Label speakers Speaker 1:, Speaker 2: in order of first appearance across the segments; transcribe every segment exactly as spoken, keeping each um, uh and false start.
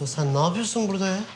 Speaker 1: Usta sen ne yapıyorsun burada ya?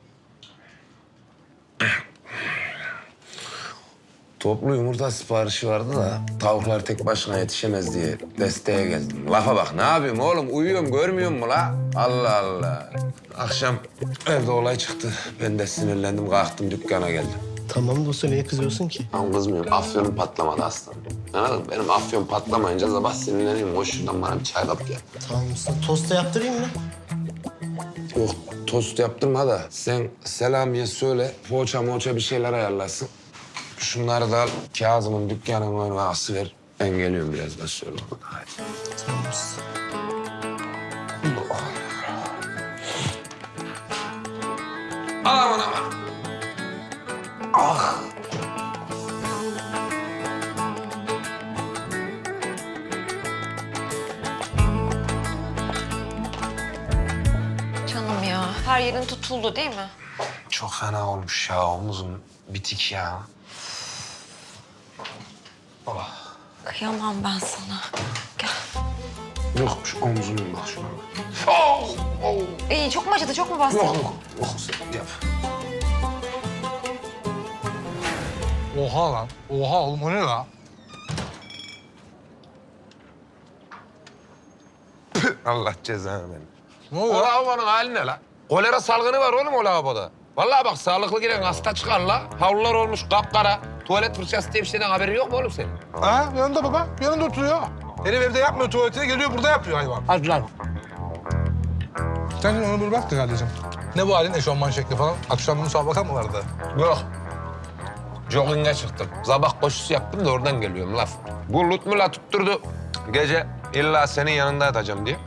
Speaker 2: Toplu yumurta siparişi vardı da tavuklar tek başına yetişemez diye desteğe geldim. Lafa bak, ne yapayım oğlum? Uyuyorum, görmüyor musun la? Allah Allah. Akşam evde olay çıktı. Ben de sinirlendim, kalktım dükkana geldim.
Speaker 1: Tamam da usta niye kızıyorsun ki?
Speaker 2: Ama kızmıyorum, afyonum patlamadı aslanım. Anladın mı? Benim afyon patlamayınca sabah sinirleniyorum. Hoş şuradan bana bir çay kap gel.
Speaker 1: Tamam usta tosta yaptırayım mı?
Speaker 2: Yok, tost yaptırma da sen Selami'ye söyle, poğaça moğaça bir şeyler ayarlasın. Şunları da al, Kazım'ın dükkanının önüne asıver. Ben geliyorum birazdan, söyle ona. Hadi.
Speaker 1: Tamam usta.
Speaker 2: Aman aman. Ah.
Speaker 3: Canım ya, her yerin tutuldu değil mi?
Speaker 2: Çok fena olmuş ya, omuzum bitik ya. Oh.
Speaker 3: Kıyamam ben sana. Gel.
Speaker 2: Yok, şu omzumun bak şuna. Oh, oh.
Speaker 3: İyi, çok mu acıdı, çok mu bastı?
Speaker 2: Yok, yok, yok. Sen yap.
Speaker 4: Oha lan. Oha oğlum o ne la?
Speaker 2: Allah cezanı verin.
Speaker 4: Ne
Speaker 2: O
Speaker 4: oluyor?
Speaker 2: lavabonun hali ne la? Kolera salgını var oğlum o lavaboda. Vallahi bak sağlıklı giren hasta çıkar la. Havlular olmuş kapkara. Tuvalet fırçası diye bir şeyden haberin yok mu oğlum senin?
Speaker 4: Ha yanında baba. Yanında oturuyor. Herif evde yapmıyor tuvaletine geliyor burada yapıyor hayvan.
Speaker 1: Hadi lan.
Speaker 4: Sen onu bir bak da kardeşim. Ne bu halin eşofman şekli falan? Akşam müsabaka mı vardı?
Speaker 2: Yok. Jogging'e çıktım. Sabah koşusu yaptım da oradan geliyorum laf. Bu Lutmula tutturdu. Gece illa senin yanında yatacağım diye.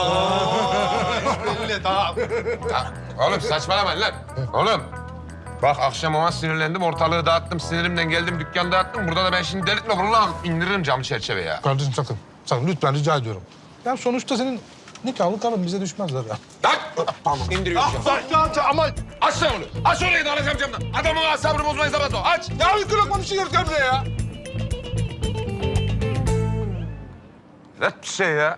Speaker 4: Belli tamam.
Speaker 2: Ha, oğlum saçmalamayın lan. Oğlum. Bak akşam ona sinirlendim, ortalığı dağıttım, sinirimden geldim, dükkanı dağıttım. Burada da ben şimdi delirtme, vallahi indiririm cam çerçeve ya.
Speaker 4: Kardeşim sakın. Sakın lütfen rica ediyorum. Ya sonuçta senin nikahlı karın bize düşmezler ya.
Speaker 2: Lan! Tamam, indiriyorum camı.
Speaker 4: Ama
Speaker 2: Aç lan onu. Aç orayı da alacağım camdan. Adamın asabını bozmayın zaman o. Aç.
Speaker 4: ya bir kırık bir şey gel buraya ya.
Speaker 2: Net bir şey ya.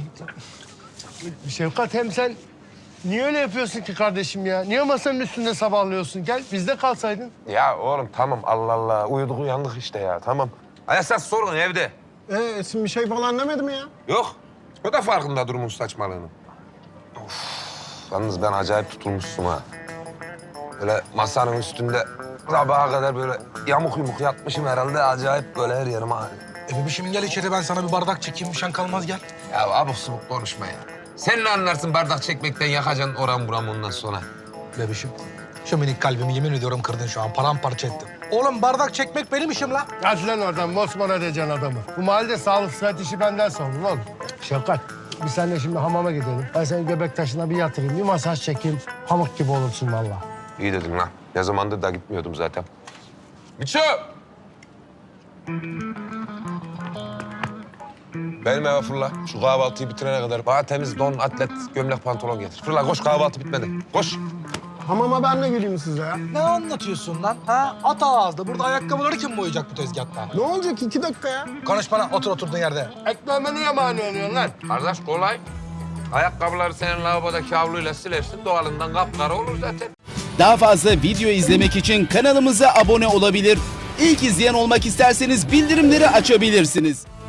Speaker 1: Şefkat hem sen niye öyle yapıyorsun ki kardeşim ya? Niye masanın üstünde sabahlıyorsun? Gel bizde kalsaydın.
Speaker 2: Ya oğlum tamam Allah Allah. Uyuduk uyandık işte ya tamam. Esas sorun evde.
Speaker 1: Ee, Esin bir şey falan demedi mi ya?
Speaker 2: Yok. O da farkında durumun saçmalığının. Of. Yalnız ben acayip tutulmuşsun ha. Böyle masanın üstünde sabaha kadar böyle yamuk yumuk yatmışım herhalde. Acayip böyle her yerim ağrıyor.
Speaker 4: E bebişim gel içeri ben sana bir bardak çekeyim. Bir şen kalmaz gel.
Speaker 2: Ya abuk subuk konuşma ya. Sen ne anlarsın bardak çekmekten, yakacaksın oram buram ondan sonra.
Speaker 4: Bebişim şu minik kalbimi yemin ediyorum kırdın şu an. Paramparça ettin. Oğlum bardak çekmek benim işim la.
Speaker 1: Hadi lan oradan mosmor edeceksin adamı. Bu mahallede sağlık sıhhat işi benden sorulur oğlum. Şefkat biz seninle şimdi hamama gidelim. Ben seni göbek taşına bir yatırayım, bir masaj çekeyim. Pamuk gibi olursun vallahi.
Speaker 2: İyi dedin lan. Ne zamandır da gitmiyordum zaten. Miço! Benim eve fırla. Şu kahvaltıyı bitirene kadar bana temiz don, atlet, gömlek, pantolon getir. Fırla koş, kahvaltı bitmedi. Koş.
Speaker 1: Hamama ben de geleyim size ya.
Speaker 4: Ne anlatıyorsun lan? Ha? At ağızda. Burada ayakkabıları kim boyayacak bu tezgahta?
Speaker 1: Ne olacak iki dakika ya?
Speaker 4: Konuş bana. Otur oturduğun yerde.
Speaker 1: Ekmeğime niye mani oluyorsun lan?
Speaker 2: Kardeş kolay. Ayakkabıları senin lavabodaki havluyla silersin. Doğalından kapkara olur zaten.
Speaker 5: Daha fazla video izlemek için kanalımıza abone olabilir. İlk izleyen olmak isterseniz bildirimleri açabilirsiniz.